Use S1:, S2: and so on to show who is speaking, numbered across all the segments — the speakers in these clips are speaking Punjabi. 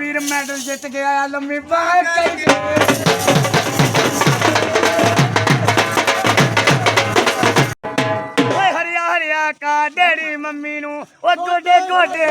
S1: वीर मेडल जित गया लम्मी बाहर करके हरिया हरिया का डेरी मम्मी नू ओ गोडे गोडे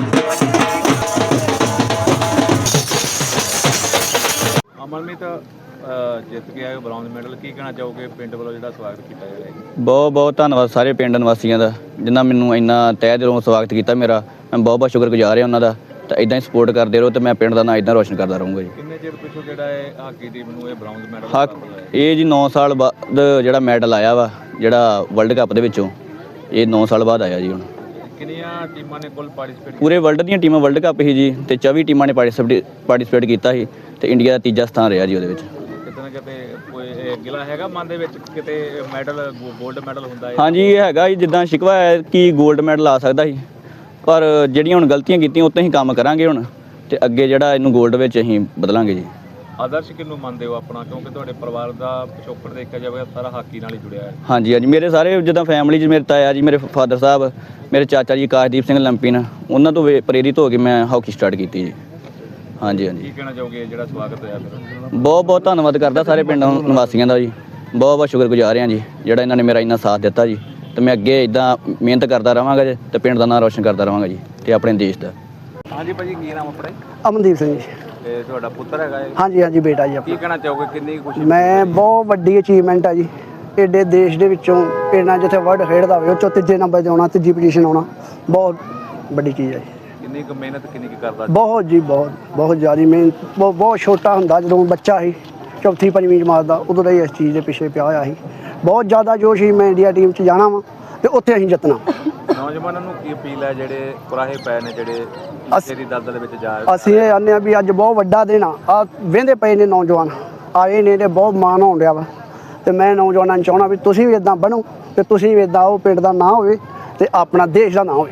S2: ਅਮਨਮੀਤ ਜਿੱਤ ਕੇ ਆਏ ਬ੍ਰੌਂਜ਼ ਮੈਡਲ ਕੀ ਕਹਿਣਾ ਚਾਹੋਗੇ ਪਿੰਡ ਵੱਲੋਂ ਜਿਹੜਾ ਸਵਾਗਤ ਕੀਤਾ ਜਾ ਰਿਹਾ ਹੈ?
S3: ਬਹੁਤ ਬਹੁਤ ਧੰਨਵਾਦ ਸਾਰੇ ਪਿੰਡ ਨਿਵਾਸੀਆਂ ਦਾ ਜਿਨ੍ਹਾਂ ਮੈਨੂੰ ਇੰਨਾ ਤਹਿ ਦਿਲੋਂ ਸਵਾਗਤ ਕੀਤਾ ਮੇਰਾ। ਮੈਂ ਬਹੁਤ ਬਹੁਤ ਸ਼ੁਕਰਗੁਜ਼ਾਰ ਹਾਂ ਉਹਨਾਂ ਦਾ। ਤਾਂ ਇਦਾਂ ਹੀ ਸਪੋਰਟ ਕਰਦੇ ਰਹੋ ਤੇ ਮੈਂ ਪਿੰਡ ਦਾ ਨਾਂ ਇਦਾਂ ਰੋਸ਼ਨ ਕਰਦਾ ਰਹੂੰਗਾ ਜੀ।
S2: ਕਿੰਨੇ ਚਿਰ ਪਿੱਛੋਂ ਜਿਹੜਾ ਇਹ ਹਾਕੀ ਟੀਮ ਨੂੰ ਇਹ ਬ੍ਰੌਂਜ਼ ਮੈਡਲ
S3: ਇਹ ਜੀ 9 ਸਾਲ ਬਾਅਦ ਜਿਹੜਾ ਮੈਡਲ ਆਇਆ ਵਾ ਜਿਹੜਾ ਵਰਲਡ ਕੱਪ ਦੇ ਵਿੱਚੋਂ, ਇਹ 9 ਸਾਲ ਬਾਅਦ ਆਇਆ ਜੀ। ਹੁਣ
S2: ਕਿੰਨੀਆਂ ਟੀਮਾਂ ਨੇ ਕੁੱਲ ਪਾਰਟਿਸਿਪੇਟ
S3: ਪੂਰੇ ਵਰਲਡ ਦੀਆਂ ਟੀਮਾਂ ਵਰਲਡ ਕੱਪ ਸੀ ਜੀ ਤੇ 24 ਟੀਮਾਂ ਨੇ ਪਾਰਟਿਸਿਪੇਟ ਕੀਤਾ ਸੀ ਤੇ ਇੰਡੀਆ ਦਾ ਤੀਜਾ ਸਥਾਨ ਰਿਹਾ ਜੀ ਉਹਦੇ ਵਿੱਚ।
S2: ਕਿਤੇ ਨਾ ਕਿਤੇ ਕੋਈ ਗਿਲਾ ਹੈਗਾ ਮਨ ਦੇ ਵਿੱਚ ਕਿਤੇ ਮੈਡਲ ਗੋਲਡ ਮੈਡਲ ਹੁੰਦਾ ਹੈ?
S3: ਹਾਂਜੀ ਇਹ ਹੈਗਾ ਜੀ, ਜਿੱਦਾਂ ਸ਼ਿਕਵਾ ਹੈ ਕਿ ਗੋਲਡ ਮੈਡਲ ਆ ਸਕਦਾ ਸੀ, ਪਰ ਜਿਹੜੀਆਂ ਹੁਣ ਗਲਤੀਆਂ ਕੀਤੀਆਂ ਉੱਤੇ ਅਸੀਂ ਕੰਮ ਕਰਾਂਗੇ ਹੁਣ ਤੇ ਅੱਗੇ ਜਿਹੜਾ ਇਹਨੂੰ ਗੋਲਡ ਵਿੱਚ ਅਸੀਂ ਬਦਲਾਂਗੇ ਜੀ।
S2: ਆਦਰਸ਼ ਕਿਹਨੂੰ ਮੰਨਦੇ ਹੋ ਆਪਣਾ, ਕਿਉਂਕਿ ਤੁਹਾਡੇ ਪਰਿਵਾਰ ਦਾ ਪਿਛੋਕੜ ਦੇਖਿਆ ਜਾਵੇ ਸਾਰਾ ਹਾਕੀ ਨਾਲ ਹੀ ਜੁੜਿਆ ਹੈ?
S3: ਹਾਂਜੀ ਹਾਂਜੀ, ਮੇਰੇ ਸਾਰੇ ਜਿੱਦਾਂ ਫੈਮਿਲੀ 'ਚ ਮੇਰੇ ਤਾਇਆ ਜੀ, ਮੇਰੇ ਫਾਦਰ ਸਾਹਿਬ, ਮੇਰੇ ਚਾਚਾ ਜੀ ਆਕਾਸ਼ਦੀਪ ਸਿੰਘ ਲੰਪੀਨ, ਉਹਨਾਂ ਤੋਂ ਪ੍ਰੇਰਿਤ ਹੋ ਕੇ ਮੈਂ ਹਾਕੀ ਸਟਾਰਟ ਕੀਤੀ ਜੀ। ਹਾਂਜੀ ਹਾਂਜੀ।
S2: ਕੀ ਕਹਿਣਾ ਚਾਹੋਗੇ ਜਿਹੜਾ ਸਵਾਗਤ ਹੋਇਆ ਫਿਰ?
S3: ਬਹੁਤ ਬਹੁਤ ਧੰਨਵਾਦ ਕਰਦਾ ਸਾਰੇ ਪਿੰਡ ਨਿਵਾਸੀਆਂ ਦਾ ਜੀ। ਬਹੁਤ ਬਹੁਤ ਸ਼ੁਕਰਗੁਜ਼ਾਰ ਹਾਂ ਜੀ ਜਿਹੜਾ ਇਹਨਾਂ ਨੇ ਮੇਰਾ ਇੰਨਾ ਸਾਥ ਦਿੱਤਾ ਜੀ। ਤੇ ਮੈਂ ਅੱਗੇ ਇਦਾਂ ਮਿਹਨਤ ਕਰਦਾ ਰਹਾਂਗਾ ਜੀ ਤੇ ਪਿੰਡ ਦਾ ਨਾਮ ਰੋਸ਼ਨ ਕਰਦਾ ਰਹਾਂਗਾ ਜੀ ਤੇ ਆਪਣੇ ਦੇਸ਼ ਦਾ।
S2: ਹਾਂਜੀ ਭਾਜੀ, ਕੀ ਨਾਮ ਆਪਣਾ?
S4: ਅਮਨਦੀਪ ਸਿੰਘ ਜੀ।
S2: ਤੇ ਤੁਹਾਡਾ ਪੁੱਤਰ ਹੈਗਾ ਇਹ?
S4: ਹਾਂਜੀ ਹਾਂਜੀ ਬੇਟਾ ਜੀ ਆਪਣਾ।
S2: ਕੀ ਕਹਿਣਾ ਚਾਹੋਗੇ, ਕਿੰਨੀ ਖੁਸ਼ੀ?
S4: ਮੈਂ ਬਹੁਤ ਵੱਡੀ ਅਚੀਵਮੈਂਟ ਆ ਜੀ। ਏਡੇ ਦੇਸ਼ ਦੇ ਵਿੱਚੋਂ ਪਿੰਡਾਂ ਜਿੱਥੇ ਵਰਲਡ ਖੇਡਦਾ ਹੋਵੇ ਉਹ 'ਚੋਂ ਤੀਜੇ ਨੰਬਰ 'ਤੇ ਆਉਣਾ, ਤੀਜੀ ਪੋਜੀਸ਼ਨ ਆਉਣਾ ਬਹੁਤ ਵੱਡੀ ਚੀਜ਼ ਹੈ ਜੀ।
S2: ਕਿੰਨੀ ਕੁ ਮਿਹਨਤ ਕਿੰਨੀ ਕੁ ਕਰਦਾ?
S4: ਬਹੁਤ ਜੀ ਬਹੁਤ ਬਹੁਤ ਜ਼ਿਆਦਾ ਮਿਹਨਤ। ਬਹੁਤ ਛੋਟਾ ਹੁੰਦਾ ਜਦੋਂ ਬੱਚਾ ਸੀ, ਚੌਥੀ ਪੰਜਵੀਂ ਜਮਾਤ ਦਾ, ਉਦੋਂ ਦਾ ਹੀ ਇਸ ਚੀਜ਼ ਦੇ ਪਿੱਛੇ ਪਿਆ ਹੋਇਆ ਸੀ। ਬਹੁਤ ਜ਼ਿਆਦਾ ਜੋਸ਼ ਸੀ ਮੈਂ ਇੰਡੀਆ ਟੀਮ 'ਚ ਜਾਣਾ ਵਾ ਤੇ ਉੱਥੇ ਅਸੀਂ ਜਿੱਤਣਾ।
S2: ਨੌਜਵਾਨਾਂ ਨੂੰ ਕੀ ਅਪੀਲ ਹੈ ਜਿਹੜੇ ਕੁਰਾਹੇ ਪਏ ਨੇ, ਜਿਹੜੇ ਨਸ਼ੇ ਦੀ ਦਲਦਲ ਵਿੱਚ ਜਾ
S4: ਅਸੀਂ ਇਹ ਆਨੇ ਆ ਵੀ ਅੱਜ ਬਹੁਤ ਵੱਡਾ ਦਿਨ ਆ ਵਹਿੰਦੇ ਪਏ ਨੇ ਨੌਜਵਾਨ ਆਏ ਨੇ ਤੇ ਬਹੁਤ ਮਾਣ ਹੋਣ ਡਿਆ ਵਾ। ਤੇ ਮੈਂ ਨੌਜਵਾਨਾਂ ਨੂੰ ਚਾਹੁੰਦਾ ਵੀ ਤੁਸੀਂ ਵੀ ਇਦਾਂ ਬਣੋ ਤੇ ਤੁਸੀਂ ਵੀ ਇਦਾਂ ਉਹ ਪਿੰਡ ਦਾ ਨਾਂ ਹੋਵੇ ਤੇ ਆਪਣਾ ਦੇਸ਼ ਦਾ ਨਾਂ ਹੋਵੇ।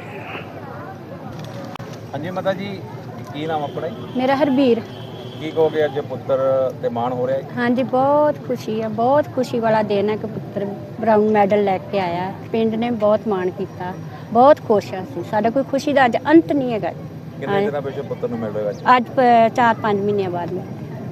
S2: ਹਾਂਜੀ ਮਾਤਾ ਜੀ, ਕੀ ਨਾਮ ਆਪਣਾ?
S5: ਮੇਰਾ ਹਰਬੀਰ।
S2: ਕੀ ਕਹੋਗੇ ਅੱਜ ਪੁੱਤਰ ਤੇ ਮਾਣ ਹੋ ਰਿਹਾ ਹੈ?
S5: ਹਾਂਜੀ ਬਹੁਤ ਖੁਸ਼ੀ ਹੈ, ਬਹੁਤ ਖੁਸ਼ੀ ਵਾਲਾ ਦਿਨ ਹੈ ਕਿ ਪੁੱਤਰ ਬ੍ਰਾਊਨ ਮੈਡਲ ਲੈ ਕੇ ਆਇਆ। ਪਿੰਡ ਨੇ ਬਹੁਤ ਮਾਣ ਕੀਤਾ, ਬਹੁਤ ਖੁਸ਼ ਹਾਂ ਅਸੀਂ। ਸਾਡਾ ਕੋਈ ਖੁਸ਼ੀ ਦਾ ਅੱਜ ਅੰਤ ਨਹੀਂ ਹੈਗਾ।
S2: ਕਿੰਨੇ ਦਿਨਾਂ ਪਿੱਛੋਂ ਪੁੱਤਰ ਨੂੰ ਮਿਲ ਰਿਹਾ
S5: ਅੱਜ 4-5 ਮਹੀਨਿਆਂ ਬਾਅਦ ਮੈਂ।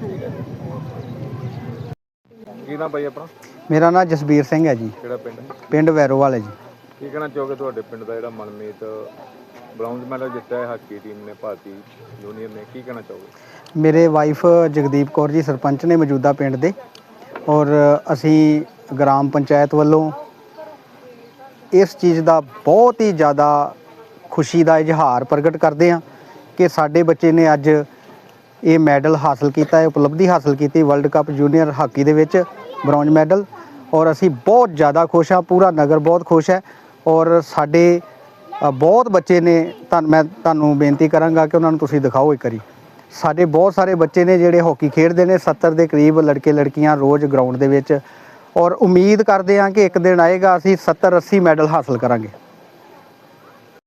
S2: ਕੀ ਨਾਮ ਭਾਈ ਆਪਣਾ?
S6: ਮੇਰਾ ਨਾਮ ਜਸਬੀਰ ਸਿੰਘ ਹੈ ਜੀ।
S2: ਕਿਹੜਾ ਪਿੰਡ?
S6: ਪਿੰਡ ਵੈਰੋਵਾਲ ਹੈ ਜੀ।
S2: ਕੀ ਕਹਿਣਾ ਚਾਹੋਗੇ ਤੁਹਾਡੇ ਪਿੰਡ ਦਾ ਜਿਹੜਾ ਮਨਮੀਤ ਬ੍ਰੌਂਜ਼ ਮੈਡਲ ਜਿੱਤਿਆ ਹੈ ਹਾਕੀ ਟੀਮ ਨੇ, ਭਾਰਤੀ ਜੂਨੀਅਰ ਨੇ, ਕੀ ਕਹਿਣਾ ਚਾਹੋਗੇ?
S6: ਮੇਰੇ ਵਾਈਫ ਜਗਦੀਪ ਕੌਰ ਜੀ ਸਰਪੰਚ ਨੇ ਮੌਜੂਦਾ ਪਿੰਡ ਦੇ, ਔਰ ਅਸੀਂ ਗ੍ਰਾਮ ਪੰਚਾਇਤ ਵੱਲੋਂ ਇਸ ਚੀਜ਼ ਦਾ ਬਹੁਤ ਹੀ ਜ਼ਿਆਦਾ ਖੁਸ਼ੀ ਦਾ ਇਜ਼ਹਾਰ ਪ੍ਰਗਟ ਕਰਦੇ ਹਾਂ ਕਿ ਸਾਡੇ ਬੱਚੇ ਨੇ ਅੱਜ ਇਹ ਮੈਡਲ ਹਾਸਲ ਕੀਤਾ ਹੈ, ਉਪਲਬਧੀ ਹਾਸਲ ਕੀਤੀ ਵਰਲਡ ਕੱਪ ਜੂਨੀਅਰ ਹਾਕੀ ਦੇ ਵਿੱਚ ਬ੍ਰੌਂਜ਼ ਮੈਡਲ। ਔਰ ਅਸੀਂ ਬਹੁਤ ਜ਼ਿਆਦਾ ਖੁਸ਼ ਹਾਂ, ਪੂਰਾ ਨਗਰ ਬਹੁਤ ਖੁਸ਼ ਹੈ। ਔਰ ਸਾਡੇ ਬਹੁਤ ਬੱਚੇ ਨੇ, ਮੈਂ ਤੁਹਾਨੂੰ ਬੇਨਤੀ ਕਰਾਂਗਾ ਕਿ ਉਹਨਾਂ ਨੂੰ ਤੁਸੀਂ ਦਿਖਾਓ ਇੱਕ ਵਾਰੀ। ਸਾਡੇ ਬਹੁਤ ਸਾਰੇ ਬੱਚੇ ਨੇ ਜਿਹੜੇ ਹਾਕੀ ਖੇਡਦੇ ਨੇ, 70 ਦੇ ਕਰੀਬ ਲੜਕੇ ਲੜਕੀਆਂ ਰੋਜ਼ ਗਰਾਊਂਡ ਦੇ ਵਿੱਚ। ਔਰ ਉਮੀਦ ਕਰਦੇ ਹਾਂ ਕਿ ਇੱਕ ਦਿਨ ਆਏਗਾ ਅਸੀਂ 70-80 ਮੈਡਲ ਹਾਸਲ ਕਰਾਂਗੇ।